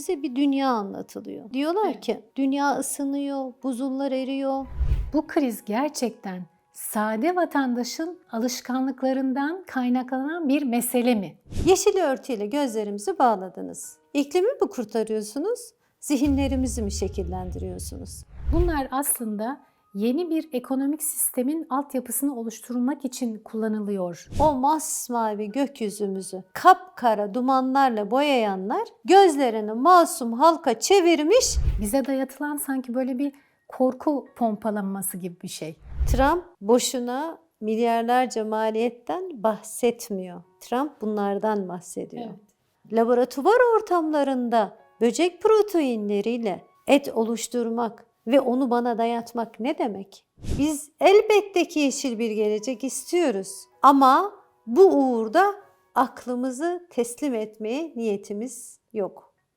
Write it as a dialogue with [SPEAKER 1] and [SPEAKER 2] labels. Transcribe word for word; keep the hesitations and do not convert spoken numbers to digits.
[SPEAKER 1] bize bir dünya anlatılıyor. Diyorlar ki dünya ısınıyor, buzullar eriyor.
[SPEAKER 2] Bu kriz gerçekten sade vatandaşın alışkanlıklarından kaynaklanan bir mesele mi?
[SPEAKER 1] Yeşil örtüyle gözlerimizi bağladınız. İklimi mi kurtarıyorsunuz? Zihinlerimizi mi şekillendiriyorsunuz?
[SPEAKER 2] Bunlar aslında yeni bir ekonomik sistemin altyapısını oluşturmak için kullanılıyor.
[SPEAKER 1] O masmavi gökyüzümüzü kapkara dumanlarla boyayanlar gözlerini masum halka çevirmiş.
[SPEAKER 2] Bize dayatılan sanki böyle bir korku pompalanması gibi bir şey.
[SPEAKER 1] Trump boşuna milyarlarca maliyetten bahsetmiyor. Trump bunlardan bahsediyor.
[SPEAKER 2] Evet.
[SPEAKER 1] Laboratuvar ortamlarında böcek proteinleriyle et oluşturmak ve onu bana dayatmak ne demek? Biz elbette ki yeşil bir gelecek istiyoruz. Ama bu uğurda aklımızı teslim etmeye niyetimiz yok.